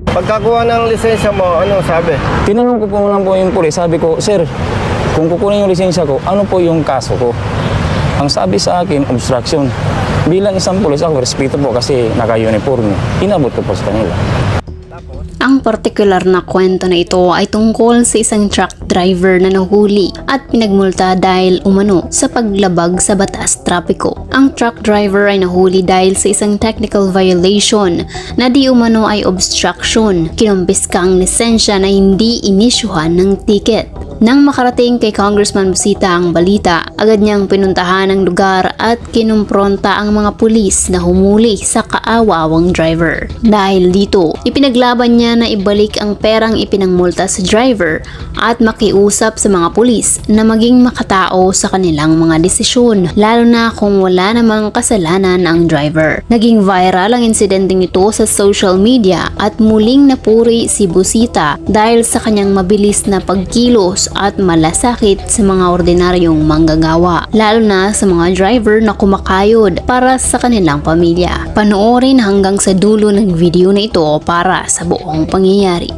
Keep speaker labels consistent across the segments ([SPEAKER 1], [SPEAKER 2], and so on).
[SPEAKER 1] Pagkakuha ng lisensya mo, ano sabi?
[SPEAKER 2] Tinanong ko po lang po yung pulis, sabi ko, sir, kung kukunin yung lisensya ko, ano po yung kaso ko? Ang sabi sa akin, obstruction. Bilang isang pulis, ako respeto po kasi naka-uniform. Inabot ko po sa kanila.
[SPEAKER 3] Ang partikular na kwento na ito ay tungkol sa isang truck driver na nahuli at pinagmulta dahil umano sa paglabag sa batas trapiko. Ang truck driver ay nahuli dahil sa isang technical violation na di umano ay obstruction. Kinumpiska ang lisensya na hindi inisyuhan ng ticket. Nang makarating kay Congressman Busita ang balita, agad niyang pinuntahan ang lugar at kinumpronta ang mga pulis na humuli sa kaawawang driver. Dahil dito, ipinaglaban niya na ibalik ang perang ipinangmulta sa driver at makiusap sa mga pulis na maging makatao sa kanilang mga desisyon, lalo na kung wala namang kasalanan ang driver. Naging viral ang insidenteng ito sa social media at muling napuri si Busita dahil sa kanyang mabilis na pagkilos at malasakit sa mga ordinaryong manggagawa, lalo na sa mga driver na kumakayod para sa kanilang pamilya. Panoorin hanggang sa dulo ng video na ito para sa buong pangyayari.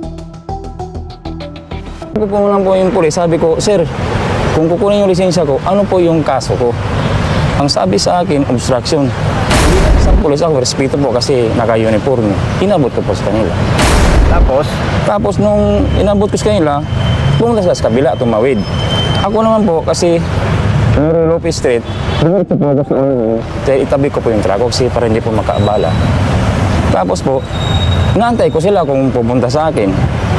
[SPEAKER 2] Sabi ko po lang po yung pulis, sabi ko, sir, kung kukunin yung lisensya ko, ano po yung kaso ko? Ang sabi sa akin, obstruction. Bilang isang pulis, ako respeto po kasi naka-uniform. Inabot ko po sa kanila.
[SPEAKER 1] Tapos
[SPEAKER 2] nung inabot ko sa kanila, pumunta sa kabila, tumawid. Ako naman po kasi Lopez Street, itabi ko po yung truck kasi para hindi po makaabala. Tapos po, naantay ko sila kung pupunta sa akin.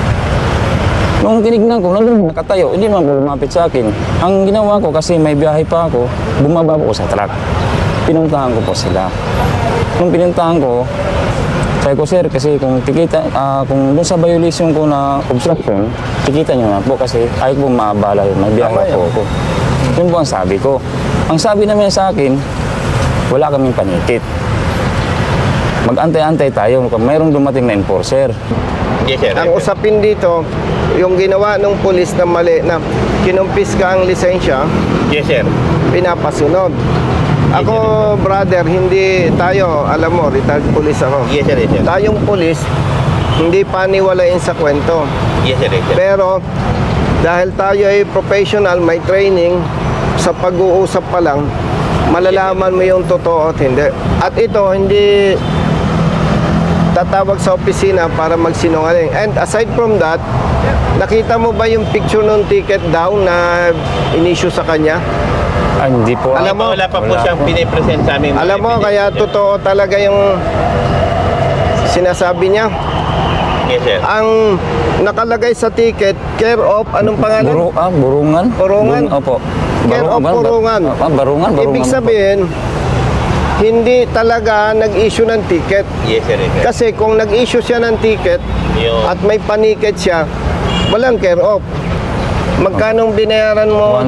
[SPEAKER 2] Nung tinignan ko, nakatayo, hindi naman po lumapit sa akin. Ang ginawa ko kasi may biyahe pa ako, bumaba po sa truck. Pinuntahan ko po sila. Nung pinuntahan ko, sabi ko, sir, kasi kung kung doon sa violation ko na obstruction, tikita nyo na po kasi ayaw po maabala yun, may biyahe po ako. Yun po ang sabi ko. Ang sabi naman sa akin, wala kaming panikit. Mag-antay-antay tayo kung mayroong dumating na enforcer.
[SPEAKER 4] Yes, sir.
[SPEAKER 1] ang usapin dito, yung ginawa ng pulis na mali na kinumpiska ang lisensya,
[SPEAKER 4] Yes, sir.
[SPEAKER 1] pinapasunod. Ako, brother, hindi tayo, alam mo, retired police ako.
[SPEAKER 4] Yes, sir. Yes, sir.
[SPEAKER 1] Tayong pulis, hindi paniwalain sa kwento.
[SPEAKER 4] Yes, sir. Yes, sir.
[SPEAKER 1] Pero, dahil tayo ay professional, may training, sa pag-uusap pa lang, malalaman mo yung totoo at hindi. At ito, hindi tatawag sa opisina para magsinungaling. And aside from that, nakita mo ba yung picture ng ticket daw na inisyu sa kanya?
[SPEAKER 2] Ay, hindi po.
[SPEAKER 1] Alam mo,
[SPEAKER 4] wala pa po siyang pinipresent sa amin.
[SPEAKER 1] Alam mo, kaya totoo talaga yung sinasabi niya.
[SPEAKER 4] Yes, sir.
[SPEAKER 1] Ang nakalagay sa ticket, care of, anong pangalan?
[SPEAKER 2] Burungan?
[SPEAKER 1] Burungan?
[SPEAKER 2] Opo.
[SPEAKER 1] Care of Burungan.
[SPEAKER 2] Barungan.
[SPEAKER 1] Ibig sabihin, hindi talaga nag-issue ng ticket.
[SPEAKER 4] Yes, sir. Yes, sir.
[SPEAKER 1] Kasi kung nag-issue siya ng ticket
[SPEAKER 4] Yung
[SPEAKER 1] at may paniket siya, walang care of. Magkano binayaran mo?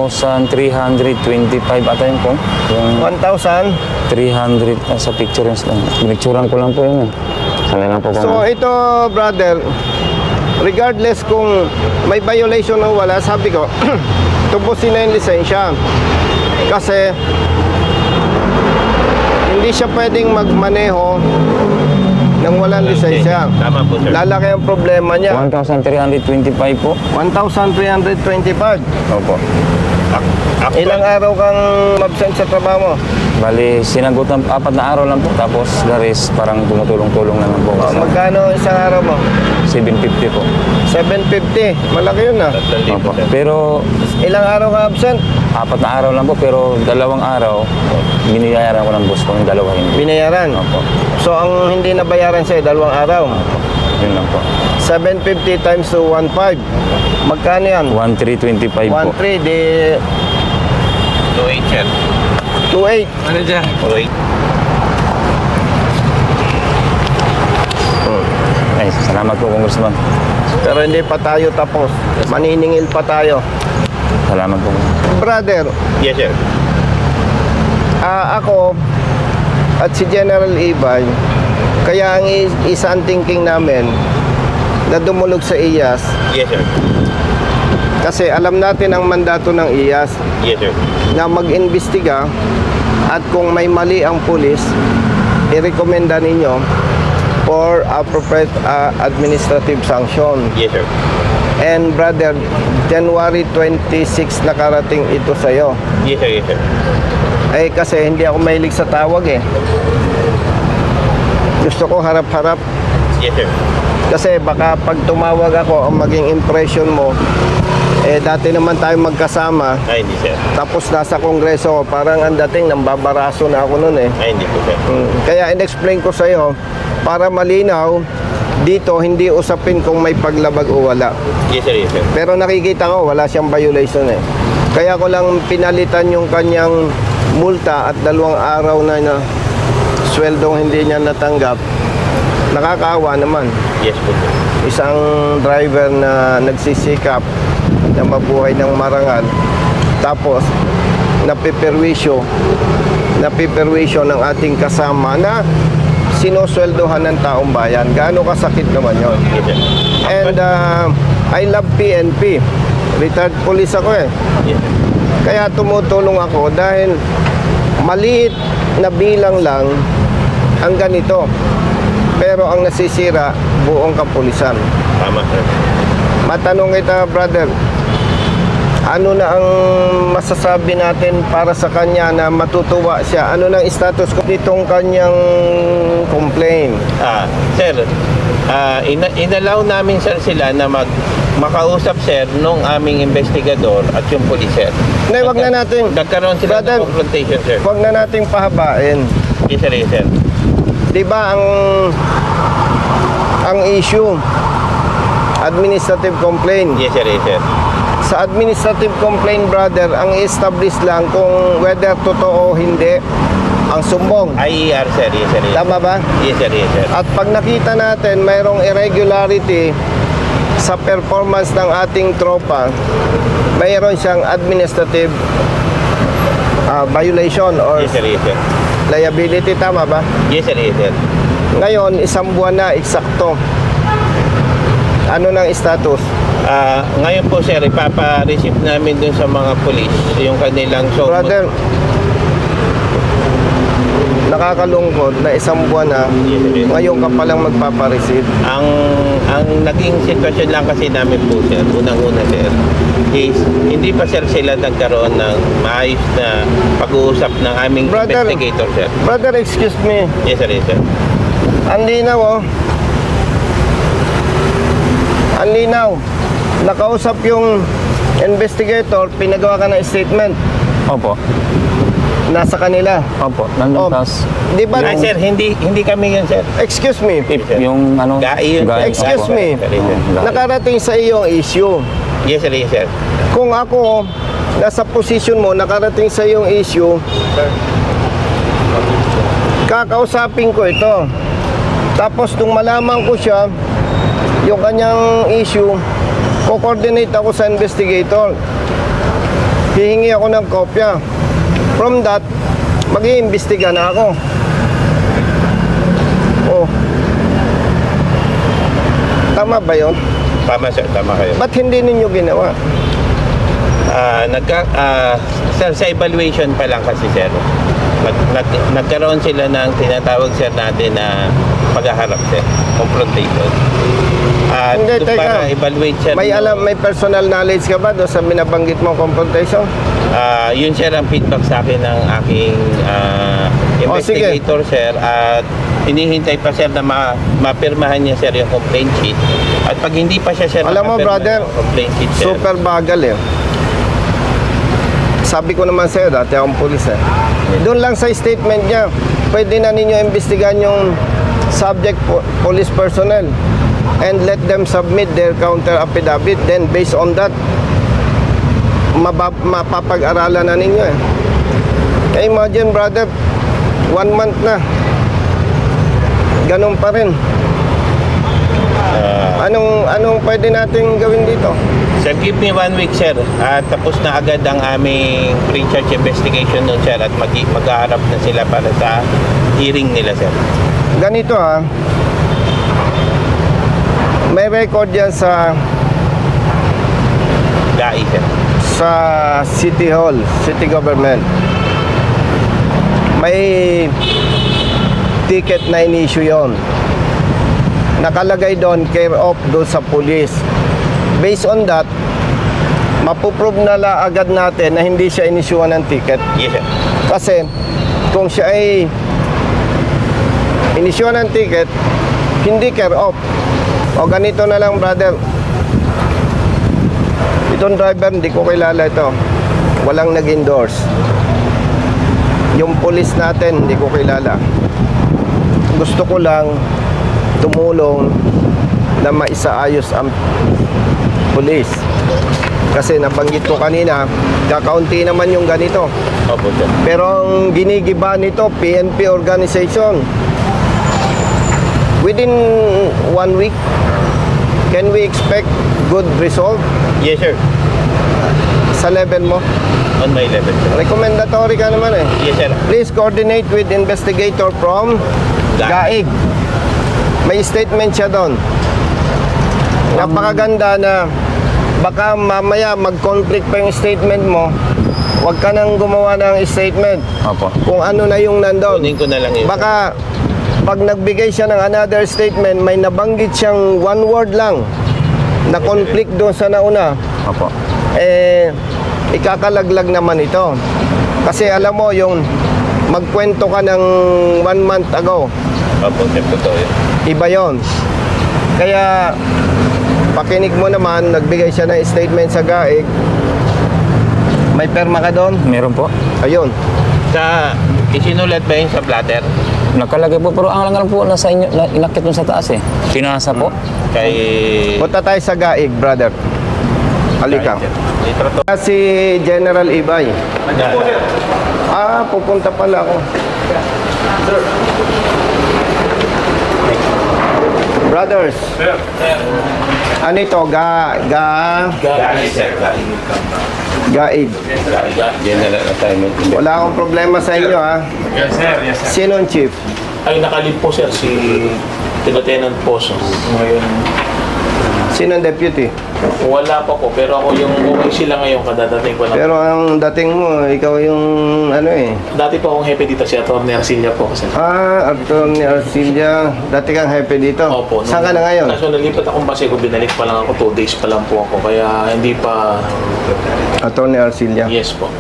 [SPEAKER 2] 1,325 ata yun po. Yung
[SPEAKER 1] 1,000.
[SPEAKER 2] 300 sa picture yun. Pinicturean ko lang po yun. Sana lang po
[SPEAKER 1] So ito, brother, regardless kung may violation o wala, sabi ko, tubusin na yung lisensya. Kasi hindi siya pwedeng magmaneho nang walang lisensya.
[SPEAKER 4] Tama po, sir.
[SPEAKER 1] Lalaki ang problema niya.
[SPEAKER 2] 1,325 po.
[SPEAKER 1] 1,325.
[SPEAKER 2] Opo.
[SPEAKER 1] Ilang araw kang absent sa trabaho mo?
[SPEAKER 2] Bali, sinagot ng 4 na araw lang po. Tapos, the rest, parang tumutulong-tulong na lang po.
[SPEAKER 1] O, magkano isang araw mo?
[SPEAKER 2] 750 po.
[SPEAKER 1] 750. Malaki yun ah.
[SPEAKER 2] Opo. Pero,
[SPEAKER 1] Ilang araw ka absent?
[SPEAKER 2] 4 na araw lang po. Pero, 2 araw, biniyayaran ko ng boss ko yung 2 hindi.
[SPEAKER 1] Binayaran.
[SPEAKER 2] Opo.
[SPEAKER 1] So ang hindi nabayaran sa'yo, 2 araw.
[SPEAKER 2] Yun lang po.
[SPEAKER 1] 750 times to 1.5. Magkano yan?
[SPEAKER 2] 1,325 po.
[SPEAKER 1] 1.3 di
[SPEAKER 4] 2.8, sir.
[SPEAKER 1] 2.8.
[SPEAKER 4] Ano dyan? 2.8.
[SPEAKER 2] Ay, salamat po, Congressman.
[SPEAKER 1] Pero hindi pa tayo tapos. Maniningil pa tayo.
[SPEAKER 2] Salamat po.
[SPEAKER 1] Brother,
[SPEAKER 4] Yes, sir.
[SPEAKER 1] ako at si General Ibay, kaya ang isa ang thinking namin na dumulog sa IAS
[SPEAKER 4] Yes, sir.
[SPEAKER 1] kasi alam natin ang mandato ng IAS
[SPEAKER 4] Yes, sir.
[SPEAKER 1] na mag-imbestiga at kung may mali ang pulis, irekomenda ninyo for appropriate administrative sanction.
[SPEAKER 4] Yes, sir.
[SPEAKER 1] And brother, January 26 nakarating ito sa'yo.
[SPEAKER 4] Yes, sir. Yes, sir.
[SPEAKER 1] Eh kasi hindi ako mahilig sa tawag eh. Gusto ko harap-harap.
[SPEAKER 4] Yes, sir.
[SPEAKER 1] Kasi baka pag tumawag ako, ang maging impression mo, eh dati naman tayo magkasama,
[SPEAKER 4] Ay, hindi, sir.
[SPEAKER 1] tapos nasa kongreso, parang ang dating nambabaraso na ako noon eh.
[SPEAKER 4] Ay, hindi po, sir.
[SPEAKER 1] Kaya in-explain ko sa'yo, para malinaw, dito hindi usapin kung may paglabag o wala.
[SPEAKER 4] Yes, sir. Yes, sir.
[SPEAKER 1] Pero nakikita ko, wala siyang violation eh. Kaya ko lang pinalitan yung kanyang multa at 2 araw na sweldong hindi niya natanggap. Nakakaawa naman.
[SPEAKER 4] Yes po, sir.
[SPEAKER 1] Isang driver na nagsisikap na mabuhay ng marangal, tapos napiperwisyo ng ating kasama na sinosweldohan ng taong bayan. Gaano kasakit naman yon.
[SPEAKER 4] Yes, sir.
[SPEAKER 1] And I love PNP. Retired police ako eh.
[SPEAKER 4] Yes, sir.
[SPEAKER 1] Kaya tumutulong ako dahil maliit na bilang lang ang ganito. Pero ang nasisira, buong kapulisan.
[SPEAKER 4] Tama, sir.
[SPEAKER 1] Matanong kita, brother, ano na ang masasabi natin para sa kanya na matutuwa siya? Ano na ang status ko nitong kanyang complaint?
[SPEAKER 4] Sir, inalaw namin, sir, sila na makausap, sir, nung aming investigador at yung police, sir.
[SPEAKER 1] Hindi, wag na natin.
[SPEAKER 4] Nagkaroon sila
[SPEAKER 1] Brother,
[SPEAKER 4] ng confrontation, sir.
[SPEAKER 1] Huwag na nating pahabain.
[SPEAKER 4] Yes, sir. Yes, sir.
[SPEAKER 1] Di ba ang issue, administrative complaint.
[SPEAKER 4] Yes, sir. Yes, sir.
[SPEAKER 1] Sa administrative complaint, brother, ang establish lang kung whether totoo o hindi ang sumbong.
[SPEAKER 4] IER, sir. Yes, sir. Yes, sir.
[SPEAKER 1] Tama ba?
[SPEAKER 4] Yes, sir. Yes, sir.
[SPEAKER 1] At pag nakita natin mayroong irregularity sa performance ng ating tropa, mayroon siyang administrative violation or
[SPEAKER 4] Yes, sir. Yes, sir.
[SPEAKER 1] liability. Tama ba?
[SPEAKER 4] Yes, sir. Yes, sir.
[SPEAKER 1] Ngayon, 1 buwan na, eksakto. Ano ng status?
[SPEAKER 4] Ngayon po, sir, ipapa-receive namin dun sa mga police yung kanilang
[SPEAKER 1] Brother, nakakalungkot na 1 buwan na, ngayon ka palang magpapareceive.
[SPEAKER 4] ang naging sitwasyon lang kasi namin po, sir, unang-una, sir, is hindi pa, sir, sila nagkaroon ng maayos na pag-uusap ng aming
[SPEAKER 1] Brother.
[SPEAKER 4] investigator, sir.
[SPEAKER 1] Brother, excuse me.
[SPEAKER 4] Yes, sir. Yes, sir.
[SPEAKER 1] Ang linaw, oh. Ang linaw. Nakausap yung investigator, pinagawa ka ng statement.
[SPEAKER 2] Opo.
[SPEAKER 1] Nasa kanila.
[SPEAKER 2] Opo. Nandun
[SPEAKER 1] Oh,
[SPEAKER 2] tas,
[SPEAKER 1] di ba?
[SPEAKER 4] Ay, sir, hindi kami yun, sir.
[SPEAKER 1] Excuse me.
[SPEAKER 2] yung ano,
[SPEAKER 4] Gai yun, sir.
[SPEAKER 1] Excuse
[SPEAKER 2] opo.
[SPEAKER 1] me.
[SPEAKER 4] Yes, sir.
[SPEAKER 1] Nakarating sa iyo ang issue.
[SPEAKER 4] Yes, sir. Yes, sir.
[SPEAKER 1] Kung ako, nasa position mo, nakarating sa iyong issue, kakausapin ko ito. Tapos nung malaman ko siya, yung kanyang issue, ko-coordinate ako sa investigator. Hihingi ako ng kopya. From that, mag-iimbestiga na ako. Oh. Tama ba yun?
[SPEAKER 4] Tama, sir. Tama kayo.
[SPEAKER 1] Ba't hindi ninyo ginawa?
[SPEAKER 4] Sir, sa evaluation pa lang kasi, sir, nagkaroon sila ng tinatawag, sir, natin na paghaharap, sir, confrontation.
[SPEAKER 1] Hindi,
[SPEAKER 4] Doon
[SPEAKER 1] teka.
[SPEAKER 4] para evaluate, sir.
[SPEAKER 1] May personal knowledge ka ba doon sa binabanggit mong confrontation?
[SPEAKER 4] Yun, sir, ang feedback sa akin ng aking investigator, sir, at hinihintay pa, sir, na mapirmahan niya, sir, yung complaint sheet. At pag hindi pa siya, sir,
[SPEAKER 1] Alam mo,
[SPEAKER 4] makapirma
[SPEAKER 1] brother,
[SPEAKER 4] ng complaint sheet, sir.
[SPEAKER 1] super bagal eh. Sabi ko naman sa'yo, dati akong pulis eh. Doon lang sa statement niya, pwede na ninyo imbestigahan yung subject police personnel and let them submit their counter affidavit. Then based on that, mapapag-aralan na ninyo eh. Kaya imagine, brother, 1 month na. Ganun pa rin. Anong pwede natin gawin dito?
[SPEAKER 4] Sir, give me 1 week, sir. At tapos na agad ang aming pre-charge investigation nun, sir. At mag-aharap na sila para sa hearing nila, sir.
[SPEAKER 1] Ganito ha. May record yan sa
[SPEAKER 4] GAI, sir.
[SPEAKER 1] City Hall, City Government. May ticket na in-issue yon. nakalagay doon, care of doon sa police. Based on that, mapuprove na agad natin na hindi siya inisyuhan ng ticket.
[SPEAKER 4] Yes, sir.
[SPEAKER 1] Kasi kung siya ay inisyuhan ng ticket, hindi care of. O ganito na lang, brother. Itong driver, hindi ko kilala ito. Walang nag-endorse. Yung police natin, hindi ko kilala. Gusto ko lang tumulong na maisaayos ang police. Kasi nabanggit ko kanina, kakaunti naman yung ganito.
[SPEAKER 4] Opo, sir.
[SPEAKER 1] Pero ang ginigiba nito, PNP organization. Within 1 week, can we expect good result
[SPEAKER 4] Yes, sir.
[SPEAKER 1] sa level mo?
[SPEAKER 4] On my level, sir.
[SPEAKER 1] Recommendatory ka naman eh.
[SPEAKER 4] Yes, sir.
[SPEAKER 1] Please coordinate with investigator from Gaig. May statement siya doon. Napakaganda na baka mamaya mag-conflict pa yung statement mo. Huwag ka nang gumawa ng statement
[SPEAKER 2] Opo.
[SPEAKER 1] kung ano na yung nandun.
[SPEAKER 4] Kunin ko na lang yun.
[SPEAKER 1] Baka pag nagbigay siya ng another statement, may nabanggit siyang one word lang na conflict doon sa nauna,
[SPEAKER 2] Opo.
[SPEAKER 1] ikakalaglag naman ito. Kasi alam mo, yung magkwento ka ng 1 month ago,
[SPEAKER 4] Opo, sir. Totoo yun.
[SPEAKER 1] iba yon. Kaya, pakinig mo naman, nagbigay siya ng statement sa GAIG. May perma ka doon?
[SPEAKER 2] Meron po.
[SPEAKER 1] Ayun.
[SPEAKER 4] Isinulat ba yun sa platter?
[SPEAKER 2] Nakalagay po, pero ang lang po nasa inyo, inakit mo sa taas eh. Pinasa po.
[SPEAKER 4] Kay...
[SPEAKER 1] Punta tayo sa GAIG, brother. Halika.
[SPEAKER 4] Litrato.
[SPEAKER 1] Si General Ibay. Pupunta pala ako. Brothers. Ano ito? GAIG.
[SPEAKER 4] General assignment.
[SPEAKER 1] Wala akong problema sa inyo, ha?
[SPEAKER 5] Yes, sir. Yes, sir.
[SPEAKER 1] Sino ang chief?
[SPEAKER 5] Ay, nakalip po, sir, si Lieutenant Poso. Ngayon,
[SPEAKER 1] Sino ang deputy?
[SPEAKER 5] wala pa po, pero ako yung okay sila ngayon, kadadating ko lang.
[SPEAKER 1] Pero ang dating mo, ikaw yung ano eh.
[SPEAKER 5] Dati po akong hepe dito, si Atty. Arcilia po. Kasi.
[SPEAKER 1] Arthur ni Arcilia. Dati kang happy dito.
[SPEAKER 5] Opo.
[SPEAKER 1] Saan ka na ngayon?
[SPEAKER 5] Kaso nalipat akong Pasego, binalik pa lang ako, 2 days pa lang po ako. Kaya hindi pa,
[SPEAKER 1] Arthur ni Arcilia.
[SPEAKER 5] yes po.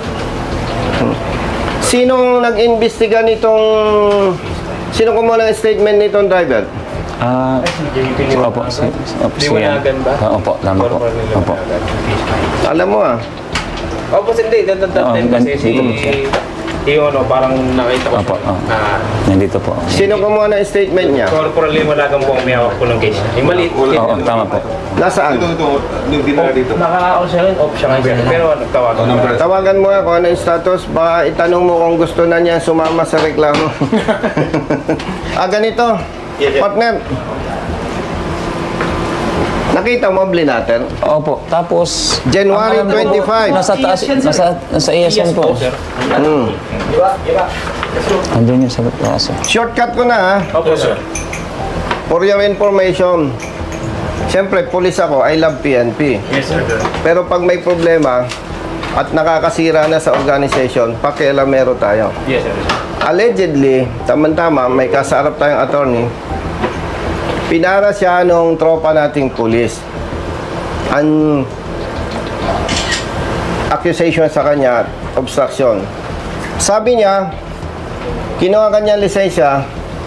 [SPEAKER 1] Sinong nag-imbestiga nitong... Sino kumuha ng statement nitong driver?
[SPEAKER 2] Opo.
[SPEAKER 5] Liwanagan ba?
[SPEAKER 2] Opo, tama po. Opo.
[SPEAKER 1] Alam mo
[SPEAKER 5] Opo, hindi. That time kasi yung parang nakita ko
[SPEAKER 2] Opo.
[SPEAKER 5] na
[SPEAKER 2] Nandito po.
[SPEAKER 1] Sino kumuha ng statement niya?
[SPEAKER 5] Corporal Liwanagan po ang may hawak po ng case. Yung maliit.
[SPEAKER 2] Oo, tama po.
[SPEAKER 1] Nasaan?
[SPEAKER 5] Naka-on siya rin, off siya ngayon. Pero nagtawagan.
[SPEAKER 1] Tawagan mo nga kung ano yung status. Baka itanong mo kung gusto na niya sumama sa reklamo. Ganito.
[SPEAKER 4] Yes, sir.
[SPEAKER 1] Partner. Nakita mo blinater?
[SPEAKER 2] Opo. Tapos...
[SPEAKER 1] January
[SPEAKER 2] ang alam ko,
[SPEAKER 1] 25.
[SPEAKER 2] Nasa taas, nasa ESN po.
[SPEAKER 5] sir.
[SPEAKER 2] Andun yung sa taas.
[SPEAKER 1] Shortcut ko na, ha?
[SPEAKER 5] Opo, sir.
[SPEAKER 1] For your information. Siyempre, police ako. I love PNP.
[SPEAKER 5] Yes, sir.
[SPEAKER 1] Pero pag may problema at nakakasira na sa organization, pakialamero tayo.
[SPEAKER 5] Yes, sir.
[SPEAKER 1] Allegedly, tama-tama, may kasarap tayong attorney, pinara siya nung tropa nating pulis. Ang accusation sa kanya, obstruction. Sabi niya, kinuha kanya lisensya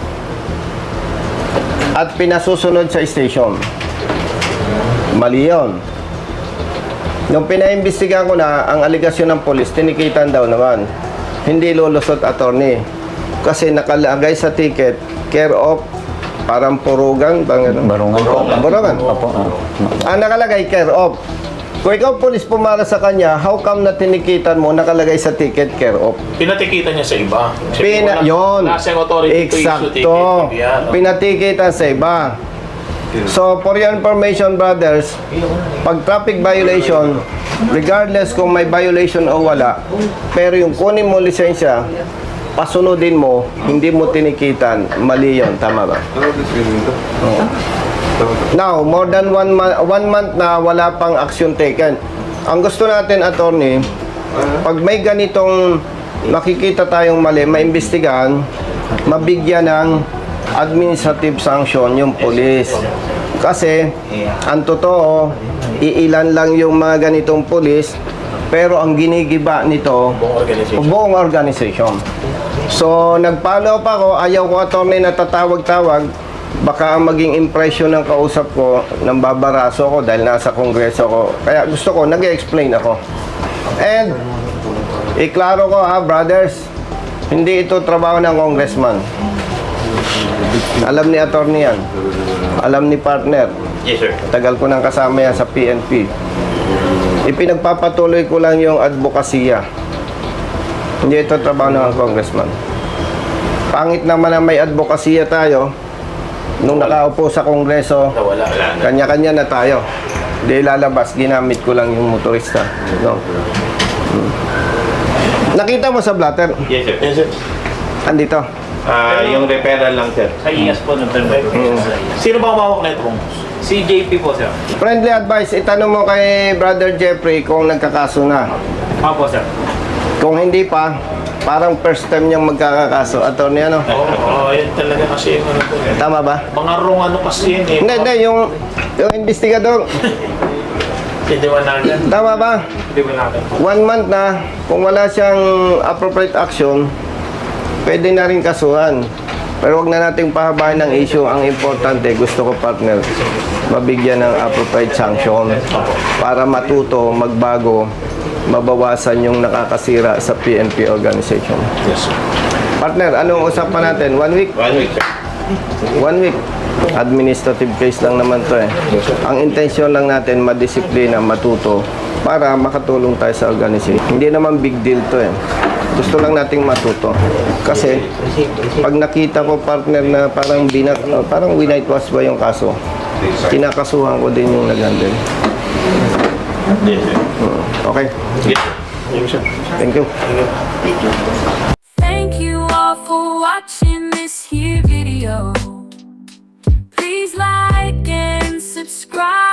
[SPEAKER 1] at pinasusunod sa station. Mali yun. Nung pinaimbestigahan ko na, ang aligasyon ng polis, tinikitan daw naman. Hindi lulusot attorney. Kasi nakalagay sa ticket, care of, parang purugan, bang ano?
[SPEAKER 2] Barungan po.
[SPEAKER 1] Barungan.
[SPEAKER 2] Opo.
[SPEAKER 1] Ang nakalagay, care of. Kung ikaw polis pumara sa kanya, how come na tinikitan mo, nakalagay sa ticket, care of?
[SPEAKER 5] Pinatikita niya sa iba. Siyempre,
[SPEAKER 1] Yun.
[SPEAKER 5] Nasa authority to issue
[SPEAKER 1] Eksakto.
[SPEAKER 5] ticket. Yan.
[SPEAKER 1] Pinatikitan sa iba. So, for your information, brothers, pag traffic violation, regardless kung may violation o wala, pero yung kunin mo lisensya, pasunodin mo, hindi mo tinikitan, mali yun. Tama ba? Oo. Now, more than 1 month na wala pang action taken. Ang gusto natin, attorney, pag may ganitong makikita tayong mali, maimbestigahan, mabigyan ng administrative sanction yung police. Kasi, ang totoo, iilan lang yung mga ganitong police, pero ang ginigiba nito, buong organization. So, nag-follow up ako, ayaw ko attorney na tatawag-tawag, baka ang maging impression ng kausap ko, nang babaraso ko dahil nasa kongreso ko. Kaya gusto ko, nag-explain ako. And, iklaro ko ha, brothers, hindi ito trabaho ng congressman. Alam ni attorney yan. Alam ni partner.
[SPEAKER 4] Yes, sir.
[SPEAKER 1] Tagal ko nang kasama yan sa PNP. Ipinagpapatuloy ko lang yung advokasya. Hindi ito trabaho ng congressman. Pangit naman na may advokasya tayo. Nung nakaupo sa kongreso,
[SPEAKER 4] Wala na.
[SPEAKER 1] kanya-kanya na tayo. Hindi lalabas, ginamit ko lang yung motorista. No? Nakita mo sa blatter?
[SPEAKER 4] Yes, sir. Yes, sir.
[SPEAKER 1] Andito.
[SPEAKER 4] Yung referral lang, sir.
[SPEAKER 5] Sa IAS po ng Sino ba umawak na ito? Si JP po, sir.
[SPEAKER 1] Friendly advice, itanong mo kay Brother Jeffrey kung nagkakaso na.
[SPEAKER 5] Opo, sir.
[SPEAKER 1] Kung hindi pa, parang first time niyang magkakakaso. Attorney, ano?
[SPEAKER 6] Oo, yun talaga kasi yung ano po eh.
[SPEAKER 1] Tama ba?
[SPEAKER 6] Mga wrong ano kasi yun eh.
[SPEAKER 1] Hindi, yung investigador.
[SPEAKER 6] Hindi ba natin?
[SPEAKER 1] Tama ba?
[SPEAKER 5] Hindi ba natin?
[SPEAKER 1] 1 month na, kung wala siyang appropriate action, pwede na rin kasuhan. Pero wag na nating pahabain ng issue. Ang importante, gusto ko partner, mabigyan ng appropriate sanction para matuto, magbago, mabawasan yung nakakasira sa PNP organization.
[SPEAKER 6] Yes, sir.
[SPEAKER 1] Partner, anong usapan natin? 1 week?
[SPEAKER 4] 1 week, sir.
[SPEAKER 1] 1 week. Administrative case lang naman to eh. Ang intensyon lang natin, madisiplina, matuto, para makatulong tayo sa organization. Hindi naman big deal to eh. Gusto lang nating matuto. Kasi, pag nakita ko partner na parang winightwash ba yung kaso, kinakasuhan ko din yung nag-handle.
[SPEAKER 4] Yes, sir.
[SPEAKER 1] Okay?
[SPEAKER 4] Yes, sir.
[SPEAKER 1] Thank you.
[SPEAKER 7] Thank you all for watching this here video. Please like and subscribe.